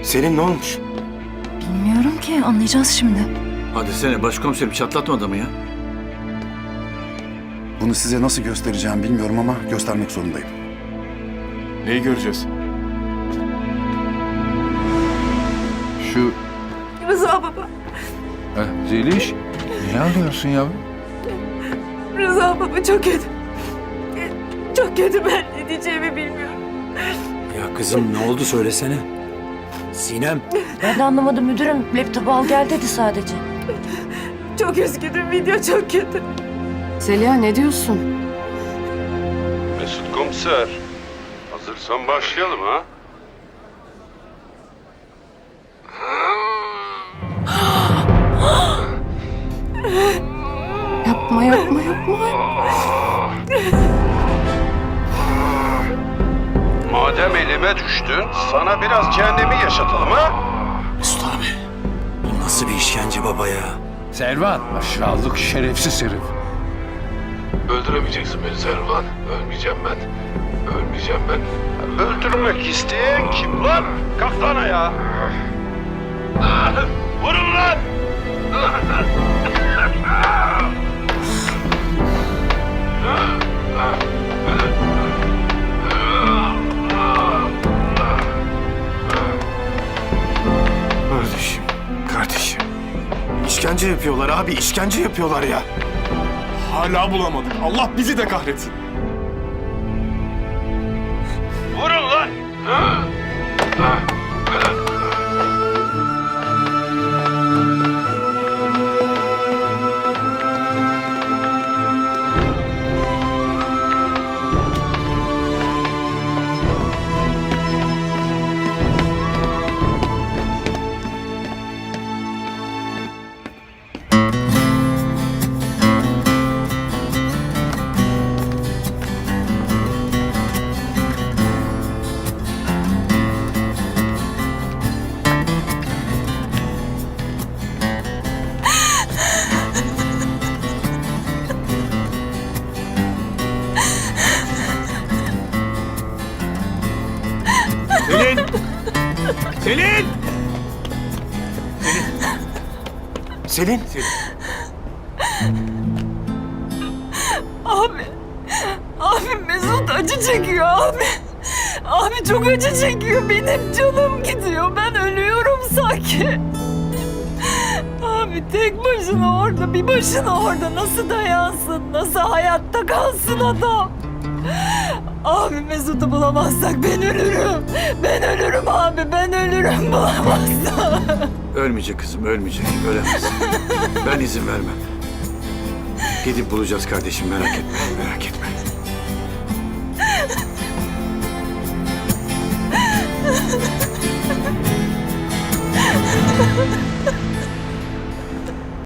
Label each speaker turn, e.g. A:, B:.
A: Selin ne olmuş?
B: Bilmiyorum ki, anlayacağız şimdi.
C: Hadi sene başkomiserim çatlatma adamı ya.
D: Bunu size nasıl göstereceğim bilmiyorum ama göstermek zorundayım.
A: Neyi göreceğiz?
E: Şu
F: Rıza baba,
E: Zeliş, niye ağlıyorsun yavrum?
F: Rıza baba çok kötü. Çok kötü, ben ne diyeceğimi bilmiyorum.
G: Ya kızım ne oldu söylesene. Sinem.
B: Ben de anlamadım müdürüm. Laptopu al gel dedi sadece.
F: Çok üzgünüm, video çok kötü.
H: Zeliha ne diyorsun?
I: Mesut Komiser, hazırsan başlayalım ha?
H: Yapma yapma yapma.
I: Madem elime düştün, sana biraz cehennemi yaşatalım ha?
G: Mesut abi. Bu nasıl bir işkence baba ya?
E: Servan, aşağılık şerefsiz herif.
I: Öldüremeyeceksin beni Servan. Ölmeyeceğim ben. Ölmeyeceğim ben. Öldürmek isteyen kim lan? Kalk lan ayağa. Vurun lan!
A: Kardeşim. İşkence yapıyorlar abi, işkence yapıyorlar ya. Hala bulamadık. Allah bizi de kahretsin.
I: Vurun lan!
C: Selin! Selin!
A: Selin.
F: Abi Mesut acı çekiyor abi. Abi çok acı çekiyor, benim canım gidiyor. Ben ölüyorum sanki. Abi tek başına orada, bir başına orada nasıl dayansın, nasıl hayatta kalsın adam? Abi Mesut'u bulamazsak ben ölürüm. Ben ölürüm abi, ben ölürüm bulamazsak.
C: Ölmeyecek kızım, ölmeyecek. Ölemez. Ben izin vermem. Gidip bulacağız kardeşim, merak etme, merak etme.